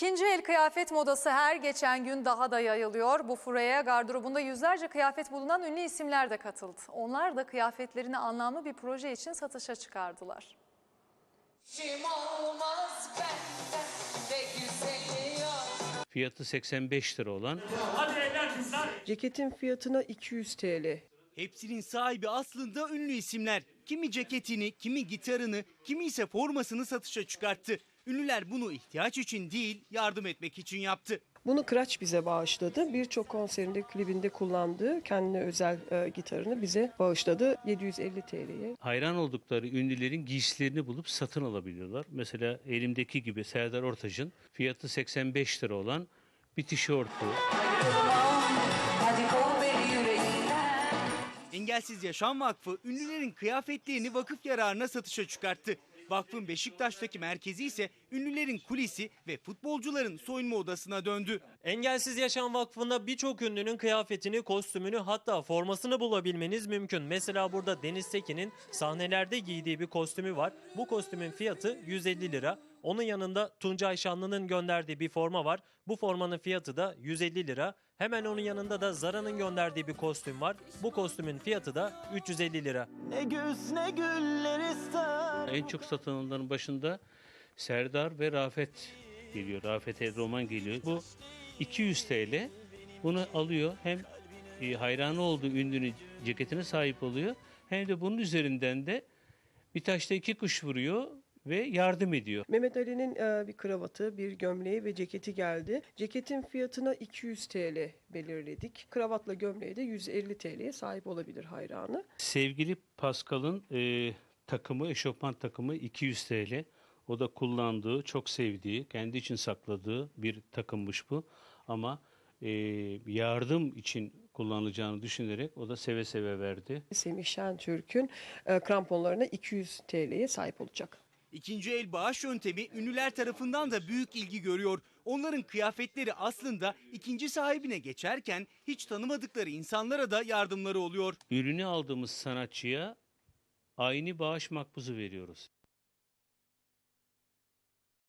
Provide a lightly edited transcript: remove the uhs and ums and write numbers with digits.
İkinci el kıyafet modası her geçen gün daha da yayılıyor. Bu furyaya gardırobunda yüzlerce kıyafet bulunan ünlü isimler de katıldı. Onlar da kıyafetlerini anlamlı bir proje için satışa çıkardılar. Fiyatı 85 lira olan Ceketin fiyatına 200 TL. Hepsinin sahibi aslında ünlü isimler. Kimi ceketini, kimi gitarını, kimi ise formasını satışa çıkarttı. Ünlüler bunu ihtiyaç için değil, yardım etmek için yaptı. Bunu Kıraç bize bağışladı. Birçok konserinde, klibinde kullandığı kendine özel gitarını bize bağışladı. 750 TL'ye. hayran oldukları ünlülerin giysilerini bulup satın alabiliyorlar. Mesela elimdeki gibi Serdar Ortaç'ın fiyatı 85 lira olan bir tişörtü. Engelsiz Yaşam Vakfı ünlülerin kıyafetlerini vakıf yararına satışa çıkarttı. Vakfın Beşiktaş'taki merkezi ise ünlülerin kulisi ve futbolcuların soyunma odasına döndü. Engelsiz Yaşam Vakfı'nda birçok ünlünün kıyafetini, kostümünü hatta formasını bulabilmeniz mümkün. Mesela burada Deniz Tekin'in sahnelerde giydiği bir kostümü var. Bu kostümün fiyatı 150 lira. Onun yanında Tuncay Şanlı'nın gönderdiği bir forma var. Bu formanın fiyatı da 150 lira. Hemen onun yanında da Zara'nın gönderdiği bir kostüm var. Bu kostümün fiyatı da 350 lira. Ne güz ne güller ister. En çok satılanların başında Serdar ve Rafet geliyor. Rafet Roman geliyor. Bu 200 TL. Bunu alıyor. Hem hayranı olduğu ünlünün ceketine sahip oluyor. Hem de bunun üzerinden de bir taşla iki kuş vuruyor ve yardım ediyor. Mehmet Ali'nin bir kravatı, bir gömleği ve ceketi geldi. Ceketin fiyatına 200 TL belirledik. Kravatla gömleği de 150 TL'ye sahip olabilir hayranı. Sevgili Pascal'ın takımı, eşofman takımı 200 TL. O da kullandığı, çok sevdiği, kendi için sakladığı bir takımmış bu. Ama yardım için kullanılacağını düşünerek o da seve seve verdi. Semih Şentürk'ün kramponlarına 200 TL'ye sahip olacak. İkinci el bağış yöntemi ünlüler tarafından da büyük ilgi görüyor. Onların kıyafetleri aslında ikinci sahibine geçerken hiç tanımadıkları insanlara da yardımları oluyor. Ürünü aldığımız sanatçıya aynı bağış makbuzu veriyoruz.